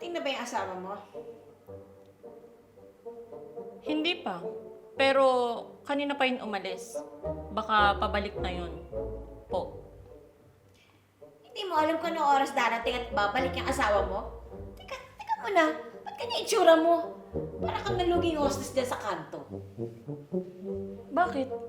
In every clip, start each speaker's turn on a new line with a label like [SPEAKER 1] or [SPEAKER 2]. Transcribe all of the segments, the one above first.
[SPEAKER 1] Dumating na ba yung asawa mo?
[SPEAKER 2] Hindi pa. Pero kanina pa yun umalis. Baka pabalik na yun. Po.
[SPEAKER 1] Hindi mo alam kung anong oras darating at babalik yung asawa mo? Teka muna. Ba't ganyan itsura mo? Para kang naluging hostess dyan sa kanto.
[SPEAKER 2] Bakit?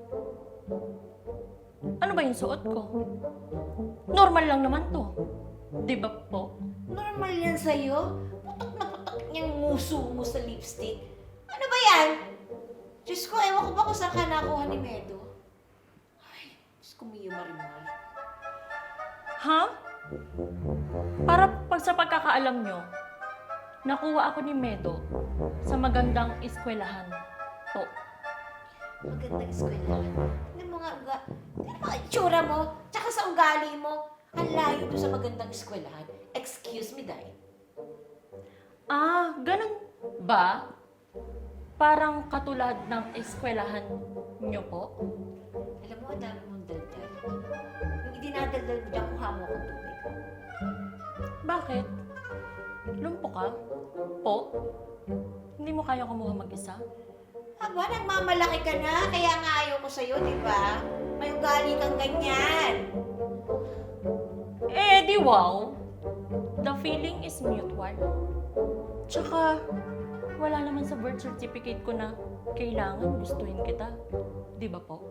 [SPEAKER 2] Ano ba yung suot ko? Normal lang naman to. Di ba po?
[SPEAKER 1] Normal yan sa'yo? Putok na putok niyang nguso mo sa lipstick. Ano ba yan? Diyos ko, ewan ko ba kung saan ka nakuha ni Medo? Ay, Diyos ko, Mio Marimar.
[SPEAKER 2] Ha? Para pag sa pagkakaalam nyo, nakuha ako ni Medo sa magandang eskwelahan. Po.
[SPEAKER 1] Magandang eskwelahan. Tingnan mo nga, tingnan mo ang itsura mo, tsaka sa ugali mo. Ang layo doon sa magandang eskwelahan. Excuse me, Day.
[SPEAKER 2] Ah, ganun ba? Parang katulad ng eskwelahan nyo po?
[SPEAKER 1] Alam mo, ang dami mong daldal. Yung idinadaldal mo dyan, kuha mo akong tubig.
[SPEAKER 2] Bakit? Lumpo ka? Po? Hindi mo kaya kumuha mag-isa?
[SPEAKER 1] Aba, nagmamalaki ka na, kaya nga ayaw ko sa'yo, di ba? May ugali kang ganyan.
[SPEAKER 2] Eh, di wow. The feeling is mutual. Tsaka, wala naman sa birth certificate ko na kailangan gustuhin kita. Di ba po?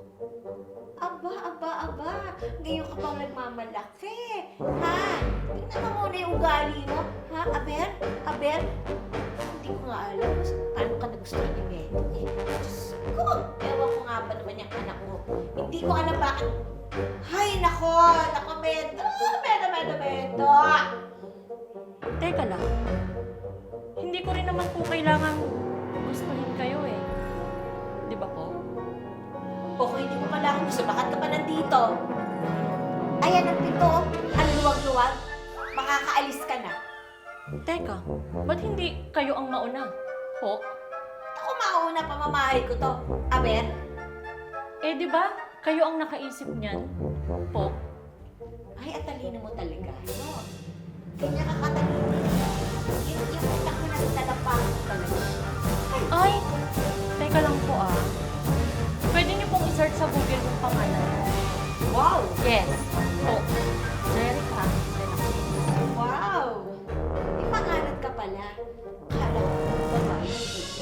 [SPEAKER 1] Aba. Ngayon ka pang nagmamalaki. Ha? Tingnan mo muna yung ugali mo. Ha? Aber? Hindi ko nga alam kung paano ka nagustuhan ni Medo. Diyos ko, ewan ko nga ba naman yung anak mo. Hindi ko alam bakit. Hay, nako, Medo. Medo.
[SPEAKER 2] Teka lang. Hindi ko rin naman po kailangan gustuhin kayo eh. Di ba po?
[SPEAKER 1] Okay, hindi mo pala ako gusto. Bakit ka pa nandito? Ayan ang pito. Ang luwag-luwag. Makakaalis ka na.
[SPEAKER 2] Teka, ba't hindi kayo ang mauna? Po?
[SPEAKER 1] Ako mauna, pamamahay ko to. Aber?
[SPEAKER 2] Eh di ba kayo ang nakaisip niyan? Po?
[SPEAKER 1] Ay, at talino mo talaga. No? Ganyan ka katalino. Yung utak mo nasa talapakan mo talaga.
[SPEAKER 2] Ay, teka lang po ah. Pwede niyo pong i-search sa Google yung pangalan.
[SPEAKER 1] Wow!
[SPEAKER 2] Yes. Po. Jerica.
[SPEAKER 1] Wow! May pangalan ka pala. Kala ko, babae.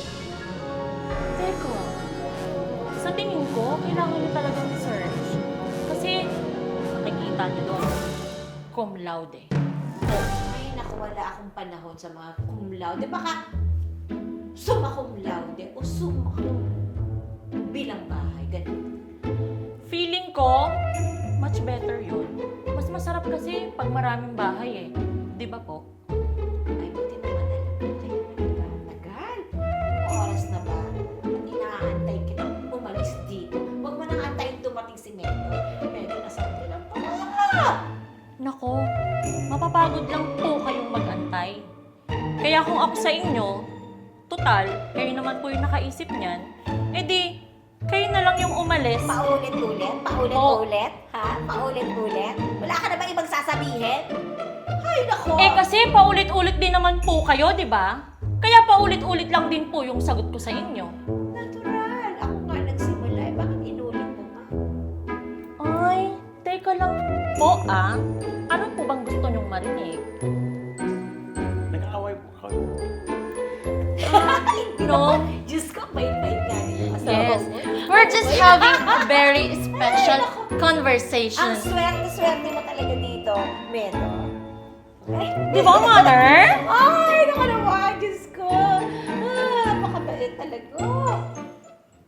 [SPEAKER 2] Teka. Sa tingin ko, kailangan niyo talagang i-search. Kasi, makikita niyo doon. Cum laude.
[SPEAKER 1] Ay, naku, wala akong panahon sa mga cum laude. Baka summa cum laude o summa cum bilang bahay. Ganun.
[SPEAKER 2] Feeling ko, much better yun. Mas masarap kasi pag maraming bahay eh. Di ba po?
[SPEAKER 1] Ay, buti naman alam ko. Tagal. Anong oras na ba? Inaantay kita umalis dito. Huwag mo nang antayin dumating si Medo. Medo, nasa lang pa.
[SPEAKER 2] Nako, mapapagod lang po kayong mag-antay. Kaya kung ako sa inyo, total, kayo naman po yung nakaisip niyan, edi, kayo na lang yung umalis.
[SPEAKER 1] Paulit-ulit? Paulit-ulit? Ha? Paulit-ulit? Wala ka na bang ibang sasabihin? Ay, nako!
[SPEAKER 2] Eh kasi paulit-ulit din naman po kayo, di ba? Kaya paulit-ulit lang din po yung sagot ko sa inyo.
[SPEAKER 1] Natural. Ako nga nagsimula. Eh, bakit inulit mo pa?
[SPEAKER 2] Ay, teka lang po ah. Ano po bang gusto nyong marinig?
[SPEAKER 3] Nag-aaway po kayo.
[SPEAKER 2] No?
[SPEAKER 1] Diyos ko, bait-bait nga rin.
[SPEAKER 2] Yes. We're just having a very special
[SPEAKER 1] Ang
[SPEAKER 2] conversation.
[SPEAKER 1] swerte-swerte mo talaga dito, Medo. Ay,
[SPEAKER 2] Di ba, Mother?